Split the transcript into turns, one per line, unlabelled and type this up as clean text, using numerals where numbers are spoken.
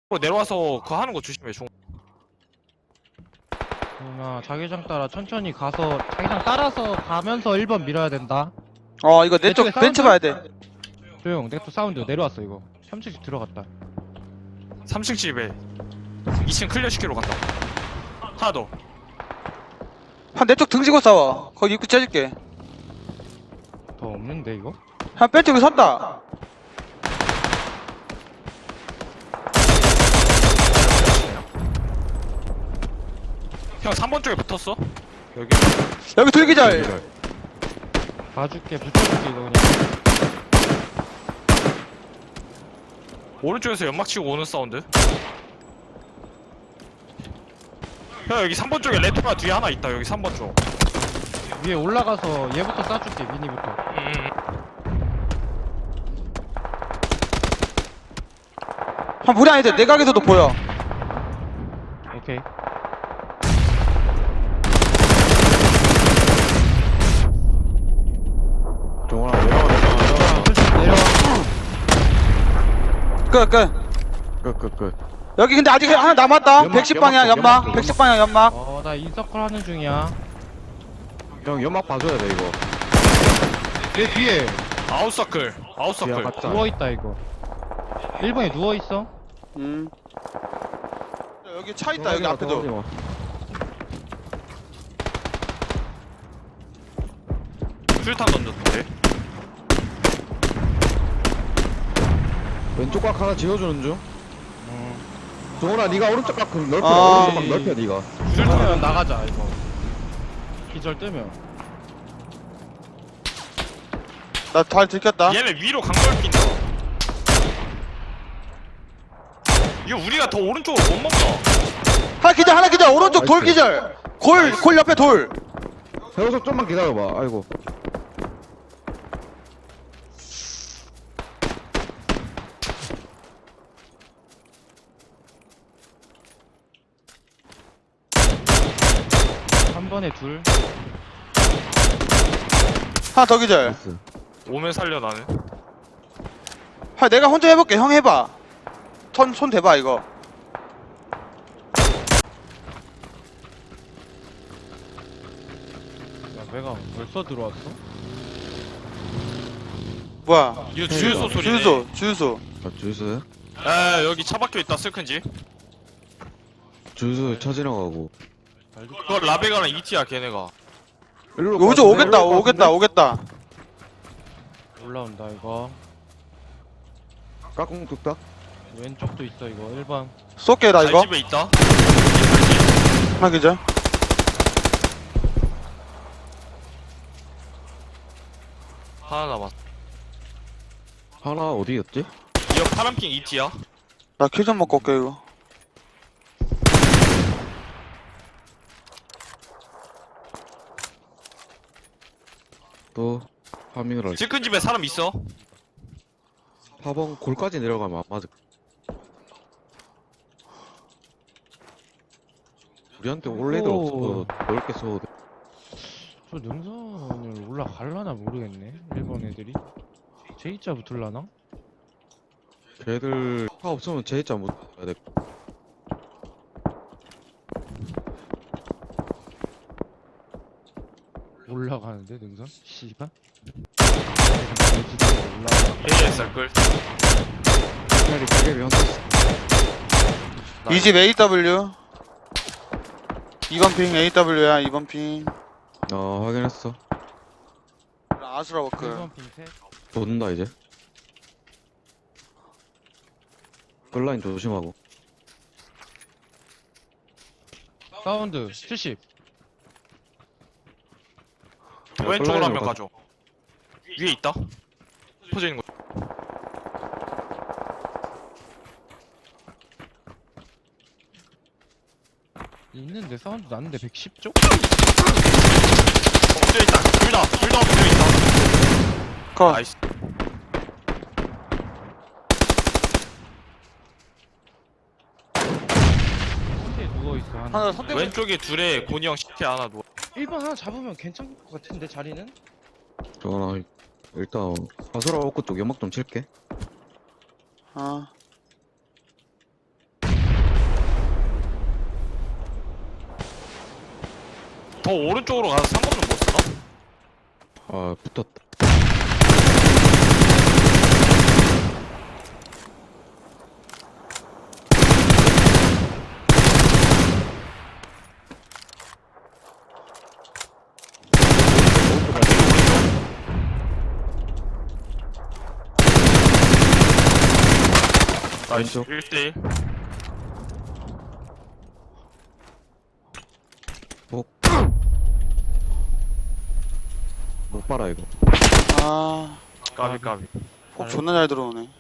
내려와서 그거 하는 거 조심해.
누나 자기장 따라 천천히 가서 자기장 따라서 가면서 1번 밀어야 된다.
이거 내 쪽
내 쪽에
벤츠
사운드?
봐야 돼.
조용 넥토 사운드 내려왔어 이거. 3층 들어갔다.
3층 집에 2층 클리어 시키러 간다. 하나 더.
한 내 쪽 등지고 싸워. 거기 입구 째줄게.
더 없는데 이거?
한 벤츠 여기 섰다.
형 3번 쪽에 붙었어? 여기.
여기 돌기절.
봐줄게 붙여줄게 이거 그냥.
오른쪽에서 연막 치고 오는 사운드. 형 여기 3번 쪽에 레토나 뒤에 하나 있다. 여기 3번 쪽.
위에 올라가서 얘부터 쏴줄게 미니부터.
한 물이 아니다. 내 각에서도 보여.
오케이.
종원아 내려와.
내려와.
끝. 여기 근데 아직 하나 남았다.
연막,
110방향
연막,
연막. 110방향 연막.
나 인서클 하는 중이야.
형 연막 봐줘야 돼 이거.
내 뒤에
아웃서클.
뒤에
아웃서클.
갔다.
누워있다 이거. 1번에 누워있어.
여기 차 있다. 여기 앞에도.
술탄 던졌는데.
왼쪽 각 하나 지어주는 중. 종원아 네가 오른쪽 각 넓혀.
아.
오른쪽 각 넓혀 네가.
뜨면 나가자 이거. 기절 뜨면.
나 잘 들켰다.
얘네 위로 강걸 낀다. 이거 우리가 더 오른쪽으로 못 먹나?
하나 기절. 오른쪽 돌
나이스.
기절. 골 옆에 돌.
여기서 좀만 기다려봐. 아이고.
한 번에 둘.
하나 더 기절.
나이스.
오면 살려 나는.
내가 혼자 해볼게. 형 해봐. 손 대봐 이거.
야 내가 벌써 들어왔어?
뭐야?
이거 주유소 소리네.
주유소.
아, 주유소야?
에 여기 차 박혀 있다. 슬큰지.
주유소 차 지나가고.
그거 라베가랑 이티야 걔네가.
일로
요즘 오겠다.
올라온다 이거.
까꿍 뚝딱.
왼쪽도 있어 이거 1번.
쏠게 나 이거.
집에 있다.
하나 기절.
하나 남았.
하나 어디였지?
이거 파란핑 이티야.
나 킬 좀 먹고 올게 이거.
또 파밍을 할.
슬큰 집에 사람 있어.
4번 골까지 내려가면 안 맞을. 우리한테 올 애들
오.
없어. 넓게 써도 돼.
저 능선을 올라갈라나 모르겠네 1번 애들이. J자 붙을라나?
걔들 차 없으면 제이자 못 해야 돼.
올라가는데 능선? 씨발. 올라가.
ASR 끌.
차라리 가게비 헌터스.
이 집 AW. 2번 핑 AW야. 2번 핑.
확인했어.
아수라 워크.
1번 핑셋.
돈다 이제. 끌라인 조심하고.
사운드 70.
왼쪽으로 한 명
가-
가져. 위에 있다. 퍼져 있는 거.
있는데 사운드 났는데 110쪽?
엎드려 있다. 둘 다 엎드려 있다.
컷.
나이스.
혼자 누워있어 하나.
하나 선택.
왼쪽에 둘에 고니 형 시체 하나 누워.
1번 하나 잡으면 괜찮을 것 같은데 자리는?
정원아 일단 아수라 워크 쪽 연막 좀 칠게.
아.
더 오른쪽으로 가서 상관은 못 쓰나?
아 붙었다.
나이스.
왼쪽.
1대1.
못 봐라 이거.
아,
까비.
폭 존나 잘 들어오네.